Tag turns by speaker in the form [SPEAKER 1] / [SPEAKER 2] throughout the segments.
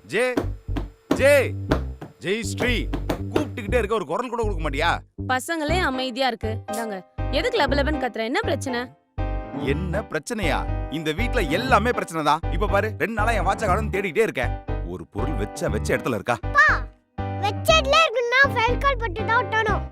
[SPEAKER 1] J ஜே ஜெய் ஸ்ரீ கூப்பிட்டுக்கிட்டே இருக்க, ஒரு குரல் கூட கொடுக்க மாட்டியா?
[SPEAKER 2] பசங்களே அமைதியா இருக்கு. இந்தாங்க. எதுக்கு லபலபன் கத்துற? என்ன பிரச்சனை?
[SPEAKER 1] என்ன பிரச்சனையா? இந்த வீட்ல எல்லாமே பிரச்சனை தான். இப்ப பாரு, 2 நாளா என் வாட்ச காணோம்னு தேடிட்டே இருக்கேன். ஒரு பொருள் வச்ச இடத்துல இருக்கா?
[SPEAKER 3] வெச்ச இடத்துல இருக்குன்னா ஃபெல் கால் பட்டு தான் ஒட்டணும்.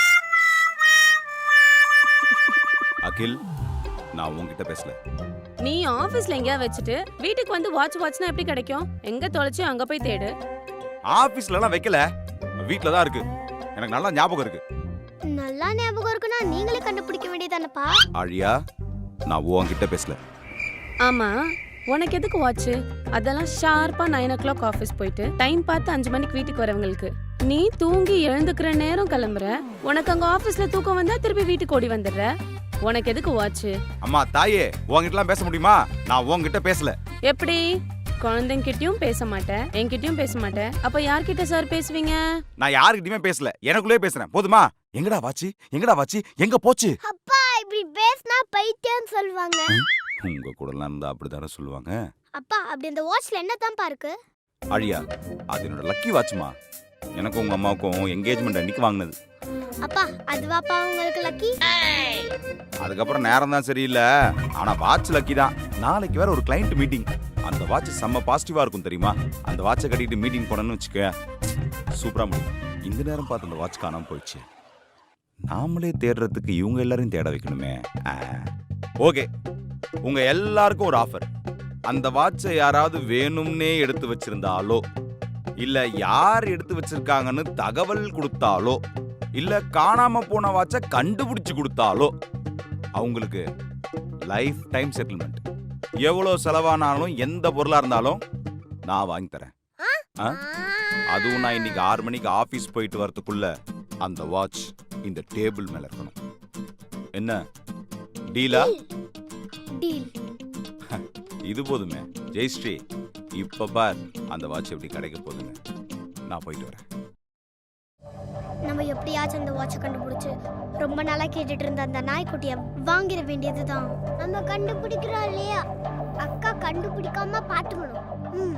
[SPEAKER 1] அகில், நான் உன்கிட்ட பேசல.
[SPEAKER 2] நீ ஆபீஸ்ல எங்கயா வச்சுட்டு வீட்டுக்கு வந்து வாட்ச்னா எப்படி கிடைக்கும்? எங்க தொலைச்சு அங்க போய் தேடு.
[SPEAKER 1] ஆபீஸ்ல எல்லாம் வைக்கல, வீட்ல தான் இருக்கு. எனக்கு நல்லா ஞாபகம் இருக்கு.
[SPEAKER 3] நல்லா ஞாபகம் இருக்குன்னா நீங்களே கண்டுபிடிக்க வேண்டியதானப்பா.
[SPEAKER 1] ஆழியா, நான் உன்கிட்ட பேசல.
[SPEAKER 2] ஆமா, உனக்கு எதுக்கு வாட்ச்? அதெல்லாம் ஷார்ப்பா 9 o'clock ஆபீஸ் போயிட்டு டைம் பார்த்து 5 மணிக்கு வீட்டுக்கு வரவங்களுக்கு. நீ தூங்கி எழுந்துக்கிற நேரம் கிளம்புற. உனக்கு அங்க ஆபீஸ்ல தூக்கம் வந்தா திருப்பி வீட்டுக்கு ஓடி வந்துடுற. உனக்கு எதுக்கு வாட்ச்?
[SPEAKER 1] அம்மா தாயே, உன்கிட்டலாம் பேச முடியுமா? நான் உன்கிட்ட பேசல.
[SPEAKER 2] எப்படி? குழந்தைங்கிட்டயும் பேச மாட்டேன், என்கிட்டயும் பேச மாட்டேன். அப்ப யார்கிட்ட சார் பேசுவீங்க?
[SPEAKER 1] நான் யார்கிட்டயுமே பேசல, எனக்குள்ளே பேசுறேன். போதுமா? எங்கடா வாட்ச்? எங்கடா வாட்ச்? எங்க போச்சு?
[SPEAKER 3] அப்பா இப்படி பேசினா பைத்தியம் சொல்வாங்க.
[SPEAKER 1] உங்க கூடலாம் இருந்தா அப்படிதானே சொல்லுவாங்க.
[SPEAKER 3] அப்பா அப்படி அந்த வாட்ச்ல என்ன தான்ப்பா இருக்கு?
[SPEAKER 1] ஆழியா, அது என்னோட லக்கி வாட்ச்மா. எனக்கும் உங்க அம்மாவுக்கும் என்கேஜ்மெண்ட் அன்னைக்கு வாங்கினது.
[SPEAKER 3] அப்பா அதுவாப்பா உங்களுக்கு லக்கி?
[SPEAKER 1] அதுக்கப்புறம் நேரம் தான் சரியில்லை, ஆனா வாட்ச் லக்கி தான். நாளைக்கு வேற ஒரு கிளைண்ட் மீட்டிங். அந்த வாட்ச் செம்ம பாசிட்டிவா இருக்கும் தெரியுமா? அந்த வாட்சை கட்டிட்டு மீட்டிங் போனோன்னு வச்சுக்க, சூப்பரா முடியும். இந்த நேரம் பார்த்து அந்த வாட்ச் காணாம போயிடுச்சு. நாமளே தேடுறதுக்கு இவங்க எல்லாரையும் தேட வைக்கணுமே. ஓகே, உங்க எல்லாருக்கும் ஒரு ஆஃபர். அந்த வாட்சை யாராவது வேணும்னே எடுத்து வச்சிருந்தாலோ, இல்ல யார் எடுத்து வச்சிருக்காங்கன்னு தகவல் கொடுத்தாலோ, இல்ல காணாம போன வாட்சை கண்டுபிடிச்சு கொடுத்தாலோ அவங்களுக்கு லைஃப் டைம் செட்டில்மெண்ட். எவ்வளவு செலவானாலும் எந்த பொருளா இருந்தாலும் நான் வாங்கி தரேன். அதுவும் நான் இன்னைக்கு 6 மணிக்கு ஆபீஸ் போயிட்டு வரதுக்குள்ள அந்த வாட்ச் இந்த டேபிள் மேல இருக்கணும். என்ன டீலா?
[SPEAKER 3] டீல்.
[SPEAKER 1] இது போதுமே ஜெயஸ்ரீ. இப்ப பார் அந்த வாட்ச் எப்படி கிடைக்க போகுதுங்க. நான் போயிட்டு வரேன்.
[SPEAKER 3] நம்ம எப்படியாச்சும் அந்த வாட்சை கண்டுபிடிச்சு ரொம்ப நாளா கேட்டுட்டு இருந்த அந்த நாய்க்குட்டிய வாங்கிட வேண்டியதுதான். நம்ம கண்டுபிடிக்கிறோம் இல்லையா? அக்கா கண்டுபிடிக்காம பாத்துக்கணும்.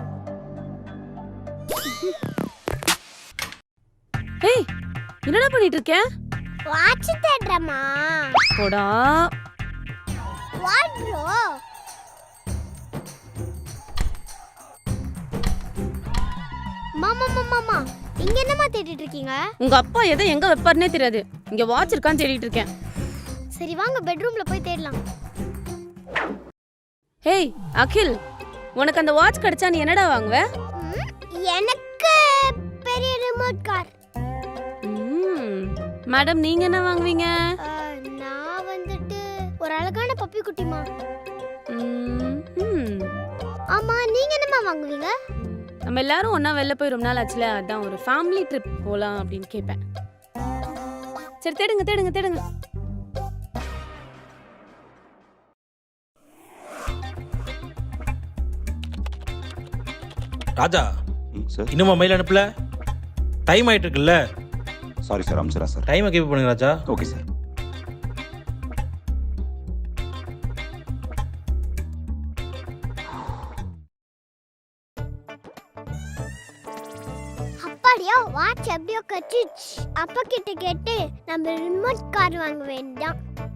[SPEAKER 2] ஏய், என்னடா பண்ணிட்டு இருக்க?
[SPEAKER 3] வாட்ச் தேடுறமா?
[SPEAKER 2] போடா.
[SPEAKER 3] What bro? மாமா மாமா இங்க என்னமா தேடிட்டு இருக்கீங்க?
[SPEAKER 2] உங்க அப்பா எதை எங்க வைப்பாருனே தெரியாது. இங்க வாட்ச் இருக்கான்னு தேடிட்டு இருக்கேன்.
[SPEAKER 3] சரி வாங்க பெட்ரூம்ல போய் தேடலாம்.
[SPEAKER 2] ஹேய் அகில், உனக்கு அந்த வாட்ச் கிடைச்சா நீ என்னடா வாங்குவ?
[SPEAKER 3] எனக்கு பெரிய ரிமோட் கார்.
[SPEAKER 2] மேடம், நீங்க என்ன வாங்குவீங்க?
[SPEAKER 3] நான் வந்துட்டு ஒரு அழகான பப்பி குட்டிமா. ஆமா, நீங்க என்னமா வாங்குவீங்க?
[SPEAKER 2] நம்ம எல்லாரும் ஒண்ணா வெளில போய் ரொம்ப நாள் ஆச்சுல, அதான் ஒரு ஃபேமிலி ட்ரிப் போலாம் அப்படின்னு கேட்பேன். சரி தேடுங்க தேடுங்க தேடுங்க.
[SPEAKER 4] ராஜா,
[SPEAKER 1] சார்
[SPEAKER 4] இன்னுமா மெயில் அனுப்பல? டைம் ஆயிட்டு இருக்குல்ல?
[SPEAKER 1] சாரி சார், அம்சரா சார்.
[SPEAKER 4] டைமை கீப் பண்ணுங்க ராஜா.
[SPEAKER 1] Okay sir.
[SPEAKER 3] அப்படியா வாட்ச் எப்படியோ கட்டிச்சு. அப்பா கிட்ட கேட்டு நம்ம ரிமோட் கார் வாங்க வேண்டாம்.